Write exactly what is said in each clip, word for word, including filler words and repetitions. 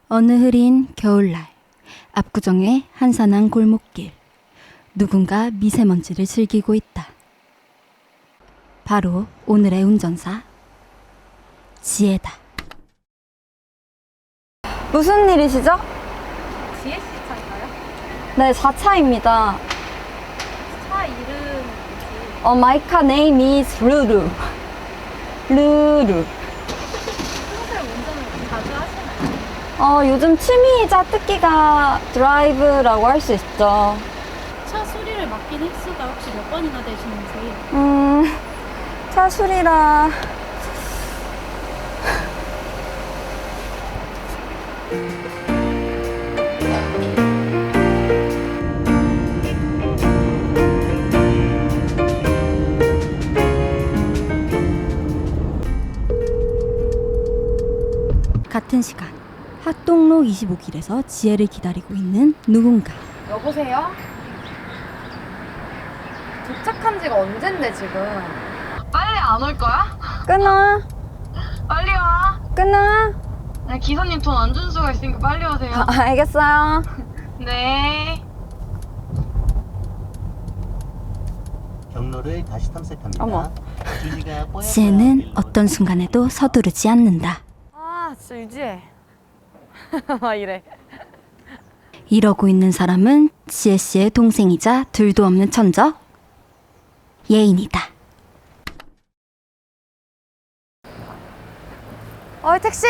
어느 흐린 겨울날, 압구정의 한산한 골목길. 누군가 미세먼지를 즐기고 있다. 바로 오늘의 운전사, 지혜다. 무슨 일이시죠? 지혜씨 차인가요? 네, 사 차입니다. 차 이름 뭐지? 어, my car name is 루루. 루루. 평소에 운전을 자주 하시나요? 어, 요즘 취미이자 특기가 드라이브라고 할 수 있죠. 차 수리를 맡긴 횟수가 혹시 몇 번이나 되시는지? 음, 차 수리라. 같은 시간, 학동로 이십오 길에서 지혜를 기다리고 있는 누군가. 여보세요? 도착한 지가 언젠데 지금? 빨리 안 올 거야? 끊어. 빨리 와. 끊어. 네, 기사님 돈 안 준 수가 있으니까 빨리 오세요. 아, 알겠어요. 네. 경로를 다시 탐색합니다. 어머. 주지가 뽀얗게 지혜는 일로 어떤 순간에도 서두르지 않는다. 아, 진짜 유지해. 막 이래. 이러고 있는 사람은 지혜 씨의 동생이자 둘도 없는 천적, 예인이다. 어이, 택시!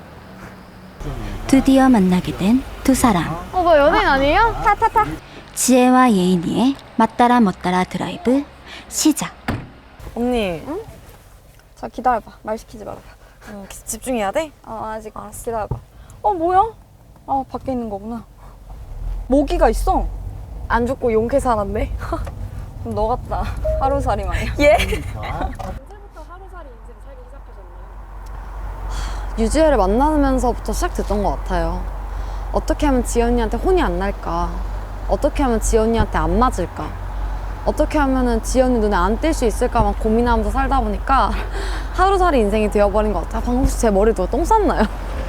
드디어 만나게 된 두 사람. 어, 너 연예인 아니에요? 타, 타, 타. 지혜와 예인이의 맞따라 멋따라 드라이브 시작. 언니, 응? 자, 기다려봐. 말 시키지 말아봐. 응, 집중해야 돼? 어, 아직 기다려봐. 어, 뭐야? 아, 밖에 있는 거구나. 모기가 있어. 안 죽고 용케 살았네. 그럼 너 같다. 하루살이 마냥. 예? 언제부터 언제부터 하루살이 인생 살기 시작하셨나요? 유지혜를 만나면서부터 시작됐던 것 같아요. 어떻게 하면 지연이한테 혼이 안 날까? 어떻게 하면 지연이한테 안 맞을까? 어떻게 하면은 지연이 눈에 안 띌 수 있을까만 고민하면서 살다 보니까 하루살이 인생이 되어버린 것 같아요. 방금 혹시 제 머리 누가 똥 쌌나요?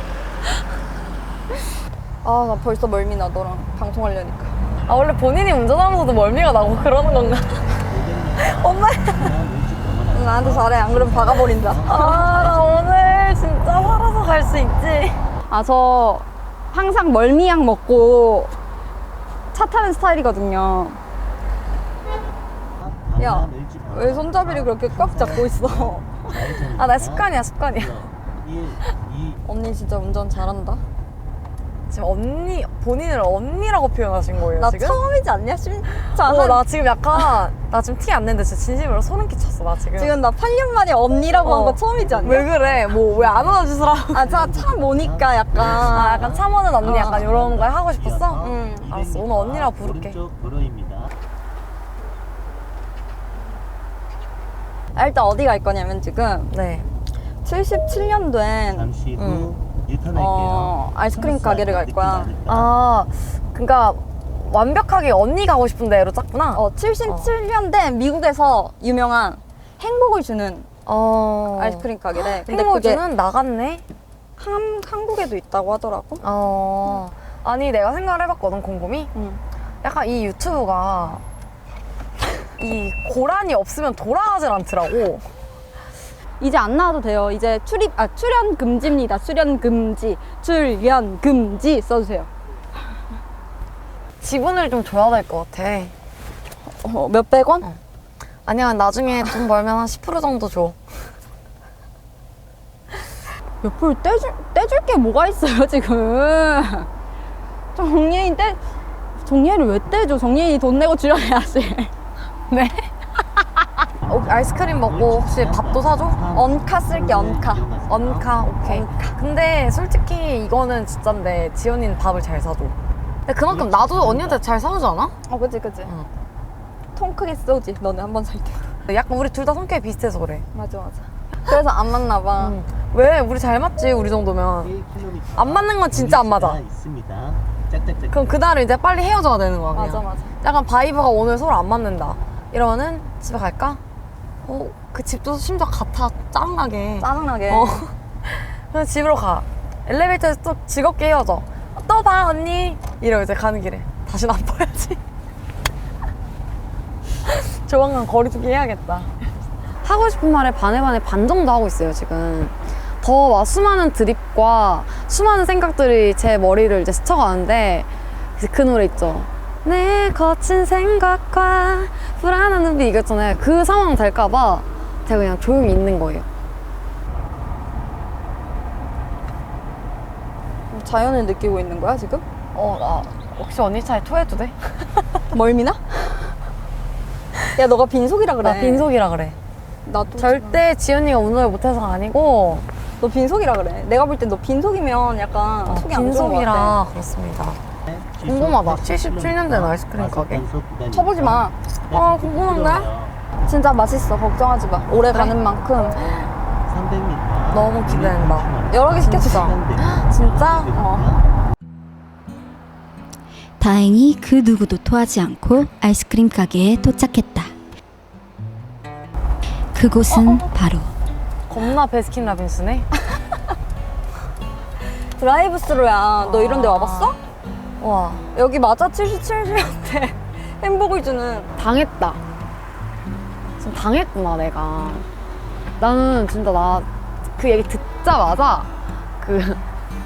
아, 나 벌써 멀미나, 너랑 방송하려니까. 아, 원래 본인이 운전하면서도 멀미가 나고 그러는 건가? 엄마! 응, 나한테 잘해. 안 그러면 박아버린다. 아, 나 오늘 진짜 살아서 갈 수 있지? 아, 저 항상 멀미약 먹고 차 타는 스타일이거든요. 야, 왜 손잡이를 그렇게 꽉 잡고 있어? 아, 나 습관이야, 습관이야. 언니 진짜 운전 잘한다. 지금 언니, 본인을 언니라고 표현하신 거예요, 나 지금? 처음이지 않냐? 진짜. 어, 한- 나 지금 약간, 나 지금 티 안 내는데 진짜 진심으로 소름 끼쳤어, 나 지금. 지금 나 팔 년 만에 언니라고 한 어. 거 처음이지 않냐? 왜 그래? 뭐, 왜 안 안아주시라고? 아, 차, 차 모니까 약간. 아, 약간 참어는 언니 어. 약간 이런 거 하고 싶었어? 응. 알았어, 오늘 언니라고 부를게. 오른쪽 도로입니다. 아, 일단 어디 갈 거냐면 지금 네. 칠십칠 년도엔 잠시 후 음. 유턴할게요. 어, 아이스크림 가게를 갈 거야. 아, 그니까, 완벽하게 언니 가고 싶은 데로 짰구나? 어, 칠십칠 년대 미국에서 유명한 행복을 주는 어. 아이스크림 가게래. 근데 행복을 그게 주는 나갔네? 한, 한국에도 있다고 하더라고. 어. 아니, 내가 생각을 해봤거든, 곰곰이? 응. 약간 이 유튜브가 이 고란이 없으면 돌아가질 않더라고. 이제 안 나와도 돼요. 이제 출입, 아, 출연 금지입니다. 출연 금지. 출연 금지 써주세요. 지분을 좀 줘야 될 것 같아. 어, 몇백 원? 어. 아니야, 나중에 돈 벌면 한 십 퍼센트 정도 줘. 몇 프로 떼줄, 떼줄 게 뭐가 있어요, 지금. 정예인 떼, 정예인을 왜 떼줘? 정예인이 돈 내고 출연해야지. 네? 어, 아이스크림 먹고 혹시 밥도 사줘? 언카 쓸게, 언카. 언카, 오케이. 근데 솔직히 이거는 진짠데 지연이는 밥을 잘 사줘. 근데 그만큼 나도 언니한테 잘 사주지 않아? 어, 그치, 그치. 응. 통 크게 쏘지, 너네 한 번 살 때. 약간 우리 둘 다 성격이 비슷해서 그래. 맞아, 맞아. 그래서 안 맞나 봐. 응. 왜? 우리 잘 맞지, 우리 정도면. 안 맞는 건 진짜 안 맞아. 있습니다. 짝짝짝. 그럼 그날은 이제 빨리 헤어져야 되는 거야, 그냥. 맞아, 맞아. 약간 바이브가 오늘 서로 안 맞는다. 이러면은 집에 갈까? 어, 그 집도 심지어 같아. 짜증나게. 짜증나게. 어. 그냥 집으로 가. 엘리베이터에서 또 즐겁게 헤어져. 또 봐 언니 이러고 이제 가는 길에 다시는 안 봐야지. 조만간 거리두기 해야겠다. 하고 싶은 말에 반에 반에 반 정도 하고 있어요 지금. 더 막 수많은 드립과 수많은 생각들이 제 머리를 이제 스쳐가는데 이제 그 노래 있죠. 내 거친 생각과 불안한 눈빛 이거 있잖아요. 그 상황 될까봐 제가 그냥 조용히 있는 거예요. 자연을 느끼고 있는 거야 지금? 어, 나 혹시 언니 차에 토해도 돼? 멀미나? 야 너가 빈속이라 그래. 나 빈속이라 그래. 나도 절대 지연이가 운동을 못해서가 아니고 너 빈속이라 그래. 내가 볼 땐 너 빈속이면 약간 어, 속이 안 좋은 거 같아. 빈속이라 그렇습니다. 궁금하다. 칠십칠 년대 아이스크림 가게. 쳐보지 마. 아 궁금한데? 진짜 맛있어. 걱정하지 마. 오래 그래? 가는 만큼 삼백 미터. 너무 기대된다. 여러 개 시켰어. 진짜? 어. 다행히 그 누구도 토하지 않고 아이스크림 가게에 도착했다. 그곳은 바로 겁나 베스킨라빈스네. 드라이브스루야. 너 이런 데 와봤어? 와, 여기 맞아. 칠십칠 년대 햄버거 주는. 당했다. 지금 당했구나 내가. 나는 진짜 나 그 얘기 듣자마자 그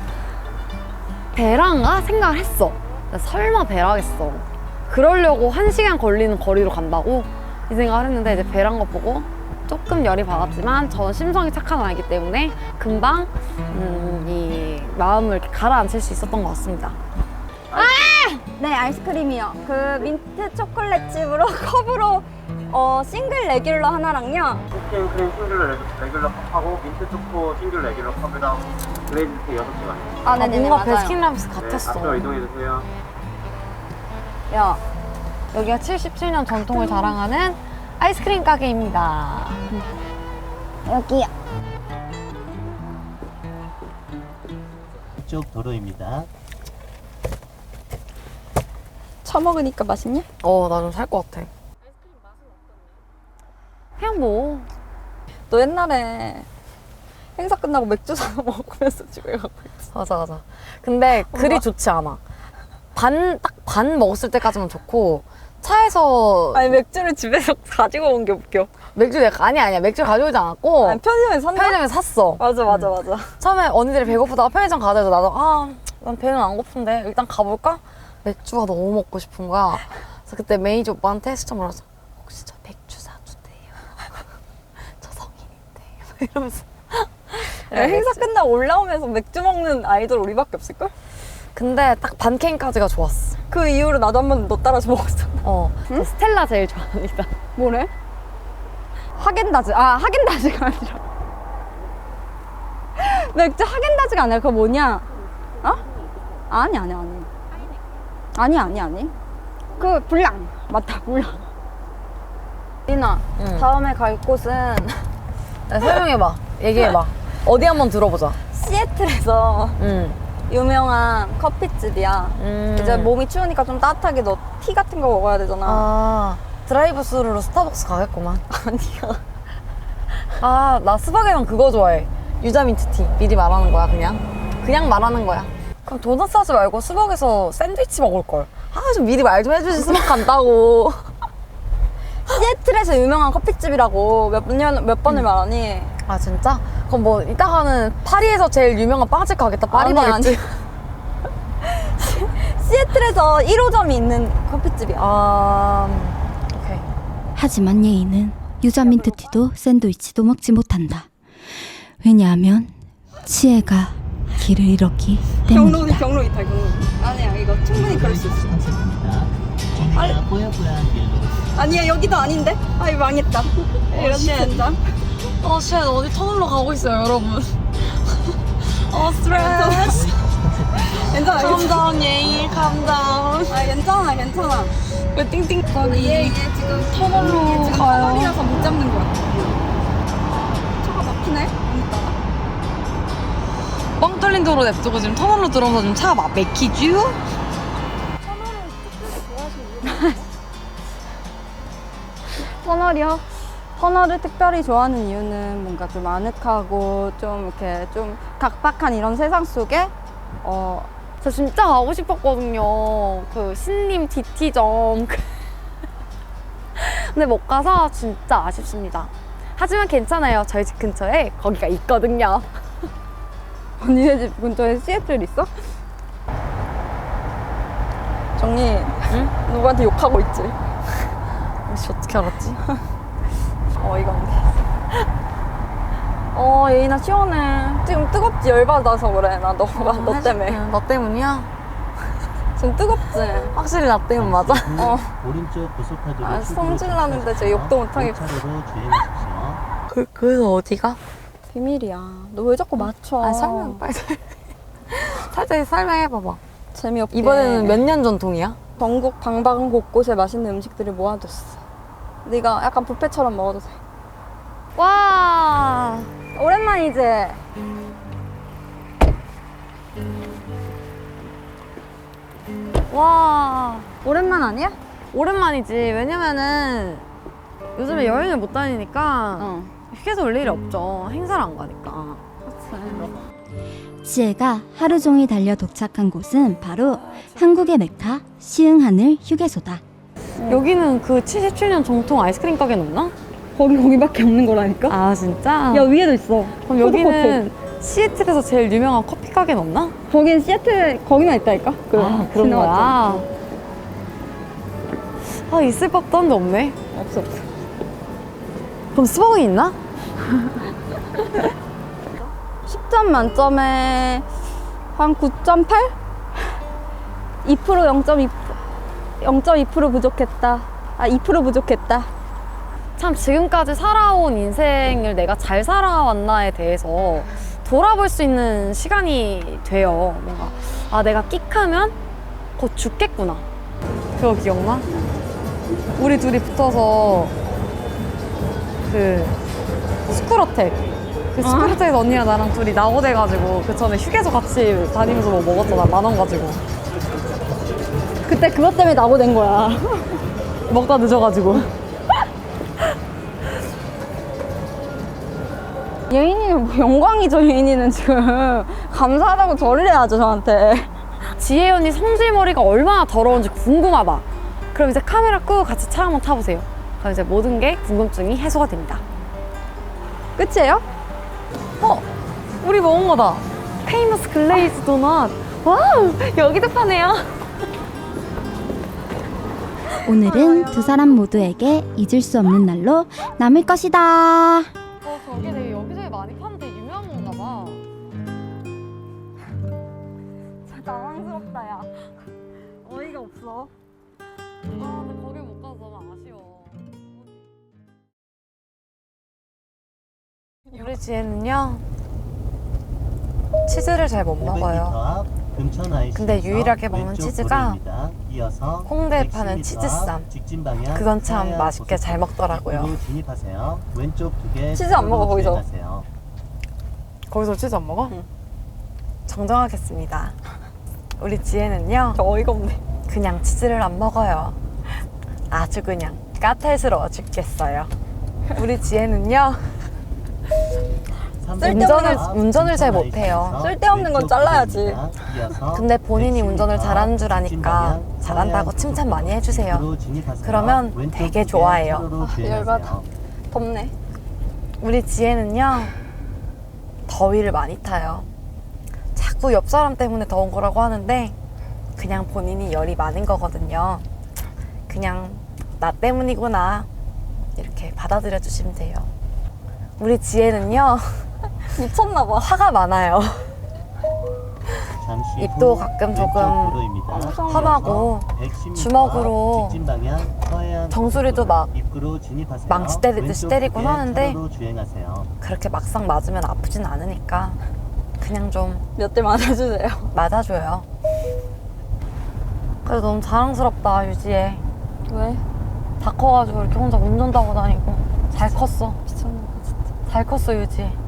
배랑가 생각을 했어. 나 설마 배라겠어. 그러려고 한 시간 걸리는 거리로 간다고 이 생각을 했는데 이제 배란 거 보고 조금 열이 받았지만 저는 심성이 착한 아이기 때문에 금방 음, 이 마음을 이렇게 가라앉힐 수 있었던 것 같습니다. 네 아이스크림이요. 그 민트 초콜릿 칩으로 컵으로 어 싱글 레귤러 하나랑요. 쿠킹 크림 싱글 레- 레귤러 컵하고 민트 초코 싱글 레귤러 컵에다 글레이즈 여섯 개가 있어요. 아 아, 네네네 뭔가 맞아요. 베스킨라빈스 네, 같았어. 앞으로 이동해 주세요. 야 여기가 칠십칠 년 전통을 자랑하는 아이스크림 가게입니다. 여기요. 이쪽 도로입니다. 처먹으니까 맛있냐? 어, 나 좀 살 것 같아. 그냥 뭐. 너 옛날에 행사 끝나고 맥주 사서 먹으면서 집에 가고 있어. 맞아, 맞아. 근데 그리 좋지 않아. 반, 딱 반 먹었을 때까지만 좋고, 차에서 아니 맥주를 집에서 가지고 온 게 웃겨. 맥주 내가, 아니, 아니야. 맥주 가져오지 않았고, 아니, 편의점에 샀나? 편의점에 샀어. 맞아 맞아 맞아. 처음에 언니들이 배고프다가 편의점 가자 해서 나도, 아, 난 배는 안 고픈데, 일단 가볼까? 맥주가 너무 먹고 싶은 거야. 그래서 그때 매니저 오빠한테 진짜 물어서 혹시 저 맥주 사주세요. 저 성인인데. 이러면서. 야, 행사 끝나고 올라오면서 맥주 먹는 아이돌 우리밖에 없을걸? 근데 딱 반캔까지가 좋았어. 그 이후로 나도 한번 너 따라서 먹었어. 어. 저 스텔라 제일 좋아합니다. 뭐래? 하겐다즈. 아 하겐다즈가 아니라 맥주 하겐다즈가 아니라 그거 뭐냐? 어? 아니 아니 아니. 아니 아니 아니. 그 불랑 맞다 불랑. 리나 응. 다음에 갈 곳은 야, 설명해봐. 얘기해봐. 어디 한번 들어보자. 시애틀에서 응. 유명한 커피집이야. 음. 이제 몸이 추우니까 좀 따뜻하게 너 티 같은 거 먹어야 되잖아. 아, 드라이브 스루로 스타벅스 가겠구만. 아니야. 아, 나 스벅에만 그거 좋아해. 유자 민트티. 미리 말하는 거야, 그냥. 그냥 말하는 거야. 그럼 도넛 사지 말고 스벅에서 샌드위치 먹을걸. 아, 좀 미리 말 좀 해주지, 스벅 간다고. 시애틀에서 유명한 커피집이라고 몇 년, 몇 번을 말하니? 아, 진짜? 그럼 뭐, 이따가는 파리에서 제일 유명한 빵집 가겠다. 파리 아니, 바겠지? 시애틀에서 일 호점이 있는 커피집이야. 아, 오케이. 하지만 예인은 유자 민트티도 샌드위치도 먹지 못한다. 왜냐하면 치애가 길을 잃었기 때문이다. 경로 이탈, 경로. 아니야, 이거 충분히 그럴 수 있어. 탐색합니다. 저희가 뽀얀뽀얀 길로 아니야, 여기도 아닌데? 아이, 망했다. 이런 젠장. 어, 쉣. 어디 터널로 가고 있어요, 여러분. 어, 스트레스. 괜찮아, 괜찮아. 감다운, 예인, 감다운. 아, 괜찮아, 괜찮아. 왜 띵띵 얘, 얘 지금 터널로 얘 지금 가요. 터널이라서 못 잡는 거야. 차가 막히네? 오늘따라. 뻥 뚫린 도로 냅두고 지금 터널로 들어오면서 좀 차가 막 막히죠? 터널이요? 헌어를 특별히 좋아하는 이유는 뭔가 좀 아늑하고 좀 이렇게 좀 각박한 이런 세상 속에 어, 저 진짜 가고 싶었거든요. 그 신림 디티점. 근데 못 가서 진짜 아쉽습니다. 하지만 괜찮아요. 저희 집 근처에 거기가 있거든요. 언니네 집 근처에 시애틀 있어? 정리 응? 누구한테 욕하고 있지? 혹시 어떻게 알았지? 어이가 없네. 어 예인아 시원해. 지금 뜨겁지? 열받아서 그래. 나 너가 너 때문에. 너 때문이야? 지금 뜨겁지? 확실히 나 때문 맞아? 어. 오른쪽 고속화도로 아, 출구로 성질 나는데 제 욕도 못하겠고. 차로로 주행하십시오. 그, 그래서 어디가? 비밀이야. 너 왜 자꾸 맞춰? 아 설명 빨리 살짝 설명해봐봐. 재미없게. 이번에는 몇 년 전통이야? 전국 방방 곳곳에 맛있는 음식들을 모아뒀어. 네가 약간 뷔페처럼 먹어도 돼. 와 오랜만이지? 와 오랜만 아니야? 오랜만이지. 왜냐면은 요즘에 여행을 못 다니니까 어. 휴게소 올 일이 없죠. 행사를 안 가니까. 지혜가 하루 종일 달려 도착한 곳은 바로 한국의 메카 시흥하늘 휴게소다. 여기는 그 칠십칠 년 정통 아이스크림 가게는 없나? 거기 거기밖에 없는 거라니까? 아 진짜? 야 위에도 있어. 그럼 여기는 시애틀에서 제일 유명한 커피 가게는 없나? 거긴 시애틀 거기만 있다니까? 그 아 그런 지나갔잖아. 거야? 아 있을 법도 한데 없네. 없어 없어. 그럼 스벅이 있나? 십 점 만점에 한 구 점 팔? 이 퍼센트 영 점 이 영 점 이 퍼센트 부족했다. 아 이 퍼센트 부족했다. 참 지금까지 살아온 인생을 내가 잘 살아왔나에 대해서 돌아볼 수 있는 시간이 돼요. 뭔가 아 내가 끽하면 곧 죽겠구나. 그거 기억나? 우리 둘이 붙어서 그 스쿨어택 그 스쿨어택에서 언니랑 나랑 둘이 낙오돼가지고 그 전에 휴게소 같이 다니면서 뭐 먹었잖아. 만 원 가지고 그때 그것 때문에 낙오된 거야. 먹다 늦어가지고 예인이는 뭐 영광이죠. 예인이는 지금 감사하다고 절을 해야죠 저한테. 지혜 언니 성질머리가 얼마나 더러운지 궁금하다. 그럼 이제 카메라 끄고 같이 차 한번 타보세요. 그럼 이제 모든 게 궁금증이 해소가 됩니다. 끝이에요? 어? 우리 먹은 거다. 페이머스 글레이즈 도넛. 와우! 여기도 파네요. 오늘은 두 사람 모두에게 잊을 수 없는 날로 남을 것이다. 어, 저게 되게 여기저기 많이 파는 되게 유명한 건가 봐. 진짜 당황스럽다 야. 어이가 없어. 아, 근데 거길 못 가서 너무 아쉬워. 우리 지혜는요, 치즈를 잘 못 오백 미터 먹어요. 앞 금천 아이씨에서 근데 유일하게 먹는 왼쪽 치즈가 도로입니다. 이어서 홍대에 백십 파는 미터 치즈쌈. 앞 직진 방향 그건 참 서해안 맛있게 잘 고속도로 먹더라고요. 입구로 진입하세요. 왼쪽 두개 치즈 안 먹어, 거기서. 거기서 치즈 안 먹어? 응. 정정하겠습니다. 우리 지혜는요, 저 어이가 없네. 그냥 치즈를 안 먹어요. 아주 그냥 까탈스러워 죽겠어요. 우리 지혜는요, 운전을, 운전을 잘 못해요. 쓸데없는 건 잘라야지. 근데 본인이 운전을 잘하는 줄 아니까 잘한다고 칭찬 많이 해주세요. 그러면 되게 좋아해요. 아, 열받아. 덥네. 우리 지혜는요, 더위를 많이 타요. 자꾸 옆 사람 때문에 더운 거라고 하는데 그냥 본인이 열이 많은 거거든요. 그냥 나 때문이구나 이렇게 받아들여 주시면 돼요. 우리 지혜는요, 미쳤나 봐. 화가 많아요. 입도 가끔 조금 험하고 주먹으로 정수리도 막 망치 때리듯이 때리곤 하는데 그렇게 막상 맞으면 아프진 않으니까 그냥 좀 몇 대 맞아주세요. 맞아줘요. 그래도 너무 자랑스럽다, 유지혜. 왜? 다 커가지고 이렇게 혼자 운전도 하고 다니고 잘 컸어. 미쳤나 봐 진짜. 잘 컸어, 유지.